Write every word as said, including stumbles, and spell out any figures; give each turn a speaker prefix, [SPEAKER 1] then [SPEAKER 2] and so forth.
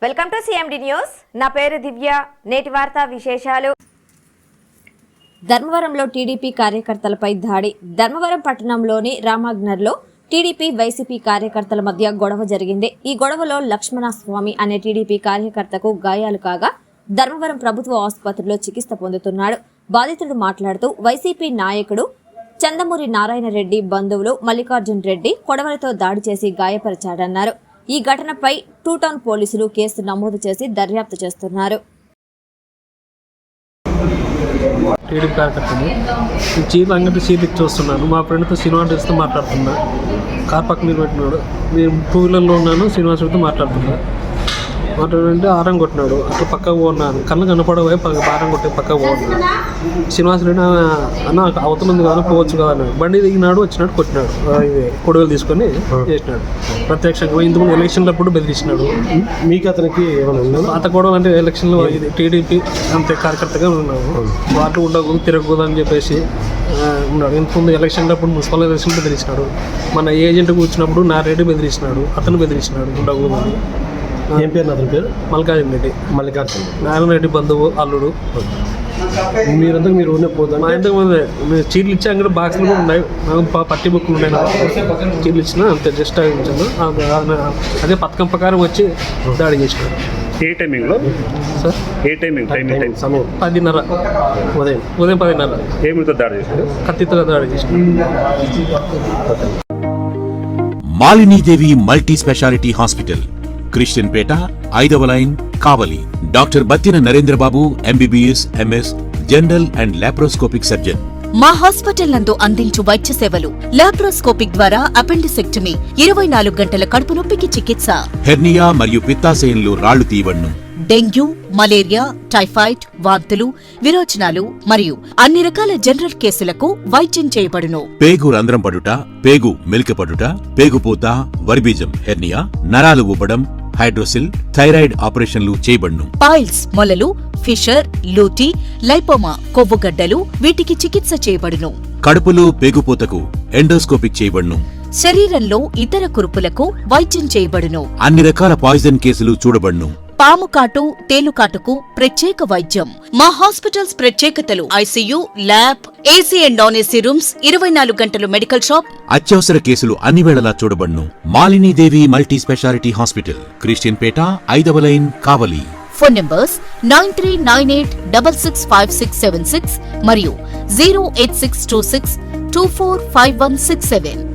[SPEAKER 1] Welcome to CMD news. నా పేరు దివ్య. నేటి వార్తా విశేషాలు. ధర్మవరంలో టీడీపీ కార్యకర్తలపై దాడి. ధర్మవరం పట్టణంలోని రామాగ్నర్లో టీడీపీ వైసీపీ కార్యకర్తల మధ్య గొడవ జరిగింది. ఈ గొడవలో లక్ష్మణస్వామి అనే టీడీపీ కార్యకర్తకు గాయాలు కాగా ధర్మవరం ప్రభుత్వ ఆసుపత్రిలో చికిత్స పొందుతున్నాడు. బాధితుడు మాట్లాడుతూ వైసీపీ నాయకుడు చందమూరి నారాయణ రెడ్డి బంధువులు మల్లికార్జున్ రెడ్డి కొడవలతో దాడి చేసి గాయపరిచాడన్నారు. ఈ ఘటనపై టూ టౌన్ పోలీసులు కేసు నమోదు చేసి దర్యాప్తు చేస్తున్నారు.
[SPEAKER 2] టీడీపీ కార్యకర్తని చీరలు అంగడి చీరలు చూస్తున్నాను. మా ఫ్రెండ్తో శ్రీనివాసరెడ్డితో మాట్లాడుతున్నా. కార్ పక్కన మీద పెట్టినాడు. నేను టూ వీలర్లో ఉన్నాను. శ్రీనివాసరెడ్డితో మాట్లాడుతున్నా. మాట్లాడంటే ఆరం కొట్టినాడు. అట్లా పక్కకు పోన్నాను. కళ్ళు కనపడబోయే ఆరం కొట్టి పక్కకు పోన్నాడు. శ్రీనివాసరెడ్డి అన్న అవతలుంది కదా పోవచ్చు కదా అన్నాడు. బండి దిగినాడు, వచ్చినాడు, కొట్టినాడు. ఇది కొడుగులు తీసుకొని చేసినాడు. ప్రత్యక్షంగా ఇంతకుముందు ఎలక్షన్లప్పుడు బెదిరించినాడు.
[SPEAKER 3] మీకు అతనికి ఏమైనా
[SPEAKER 2] పాత గొడవలు అంటే ఎలక్షన్లో ఇది టీడీపీ అంతే కార్యకర్తగా ఉన్నాము. వాటి ఉండకూడదు తిరగకూడదు అని చెప్పేసి ఉన్నాడు. ఇంతకుముందు ఎలక్షన్లప్పుడు మున్సిపల్ ఎలక్షన్ బెదిరించినాడు. మన ఏజెంట్ కూర్చున్నప్పుడు నా రెడ్డి బెదిరించినాడు. అతను బెదిరించినాడు ఉండకూడదు అని.
[SPEAKER 3] ఏం పేరు అతని పేరు?
[SPEAKER 2] మల్లికార్జున రెడ్డి.
[SPEAKER 3] మల్లికార్జున
[SPEAKER 2] నారాయణ రెడ్డి బంధువు అల్లుడు.
[SPEAKER 3] మీరంతా మీరు ఊరినే పోతాం.
[SPEAKER 2] మా ఇంతకు ముందు మేము చీరలు ఇచ్చి అక్కడ బాక్సులు కూడా ఉన్నాయి. పట్టి బుక్కులు ఉన్నాయి. చీరలు ఇచ్చిన అంతే జస్ట్ ఇచ్చాను. అదే పథకం ప్రకారం వచ్చి దాడి చేసినాడు.
[SPEAKER 4] ఏ టైమింగ్లో
[SPEAKER 2] సార్?
[SPEAKER 4] ఏ టైమింగ్ టైమింగ్ టైం
[SPEAKER 3] సమయం
[SPEAKER 2] పదిన్నర
[SPEAKER 3] ఉదయం
[SPEAKER 2] ఉదయం పదిన్నర
[SPEAKER 4] ఏమితో దాడి చేశాడు?
[SPEAKER 2] కత్తితో దాడి చేసినాడు.
[SPEAKER 5] Malinidevi multi speciality hospital, Christian Peta, ఐదవ line, Kavali. Doctor Battina Narendrababu, MBBS, MS, general and laparoscopic surgeon.
[SPEAKER 6] మా హాస్పిటల్ నందు అందించు వైద్య సేవలు: లాప్రోస్కోపిక్ ద్వారా అపెండిసెక్టమీ, ఇరవై నాలుగు గంటల కడుపు నొప్పికి చికిత్స,
[SPEAKER 5] హెర్నియా మరియు పిత్తాశయంలో రాళ్లు తీయవన్ను,
[SPEAKER 6] డెంగ్యూ, మలేరియా, టైఫాయిడ్, వాంతులు, విరోచనాలు మరియు అన్ని రకాల జనరల్ కేసులకు వైద్యం చేయబడును.
[SPEAKER 5] పేగు రంధ్రం పడుట, పేగు మెలికపడుట, పేగుపూత, వర్బీజం, హెర్నియా, నరాలు ఉబ్బడం, హైడ్రోసిల్, థైరాయిడ్ ఆపరేషన్లు చేయబడును.
[SPEAKER 6] పైల్స్, మొలలు, ఫిషర్, లూటీ, లైపోమా, కొవ్వుగడ్డలు వీటికి చికిత్స చేయబడును.
[SPEAKER 5] కడుపులో పేగుపూతకు ఎండోస్కోపిక్ చేయబడును.
[SPEAKER 6] శరీరంలో ఇతర కురుపులకు వైద్యం చేయబడును.
[SPEAKER 5] అన్ని రకాల పాయిజన్ కేసులు చూడబడును.
[SPEAKER 6] పాము కాటు, తేలుకాటుకు ప్రత్యేక వైద్యం. మా హాస్పిటల్స్ ప్రత్యేకతలు: ICU, lab, AC and non AC rooms, ఇరవై నాలుగు గంటలు మెడికల్ షాప్.
[SPEAKER 5] అత్యవసర కేసులు అన్ని వేళలా చూడబడును. Malinidevi multi speciality hospital, Christian Peta, ఐదవ line, Kavali.
[SPEAKER 6] Phone numbers nine three nine eight double six five six seven six మరియు zero eight six two six two four five one six seven.